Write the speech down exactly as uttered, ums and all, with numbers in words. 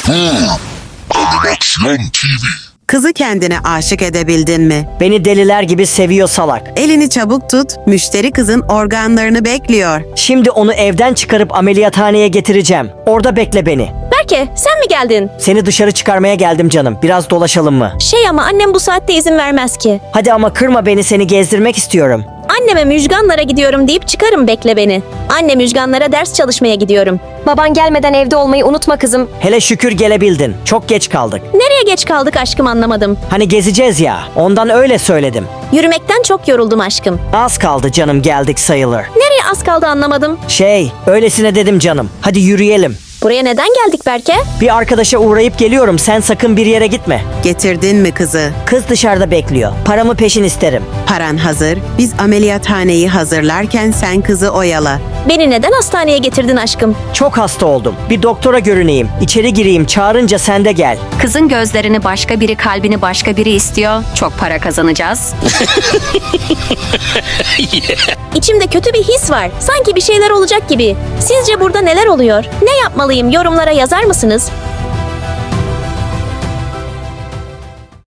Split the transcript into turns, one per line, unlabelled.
Animasyon T V.
Kızı kendine aşık edebildin mi?
Beni deliler gibi seviyor salak.
Elini çabuk tut, müşteri kızın organlarını bekliyor.
Şimdi onu evden çıkarıp ameliyathaneye getireceğim. Orada bekle beni.
Berke, sen mi geldin?
Seni dışarı çıkarmaya geldim canım. Biraz dolaşalım mı?
Şey ama annem bu saatte izin vermez ki.
Hadi ama kırma beni, seni gezdirmek istiyorum.
Anneme Müjganlara gidiyorum deyip çıkarım, bekle beni. Anne Müjganlara ders çalışmaya gidiyorum.
Baban gelmeden evde olmayı unutma kızım.
Hele şükür gelebildin. Çok geç kaldık.
Nereye geç kaldık aşkım, anlamadım.
Hani gezeceğiz ya. Ondan öyle söyledim.
Yürümekten çok yoruldum aşkım.
Az kaldı canım, geldik sayılır.
Nereye az kaldı anlamadım.
Şey, öylesine dedim canım. Hadi yürüyelim.
Buraya neden geldik Berke?
Bir arkadaşa uğrayıp geliyorum. Sen sakın bir yere gitme.
Getirdin mi kızı?
Kız dışarıda bekliyor. Paramı peşin isterim.
Paran hazır. Biz ameliyathaneyi hazırlarken sen kızı oyala.
Beni neden hastaneye getirdin aşkım?
Çok hasta oldum. Bir doktora görüneyim. İçeri gireyim. Çağırınca sen de gel.
Kızın gözlerini başka biri, kalbini başka biri istiyor. Çok para kazanacağız.
İçimde kötü bir his var. Sanki bir şeyler olacak gibi. Sizce burada neler oluyor? Ne yapmalıyım? Yorumlara yazar mısınız?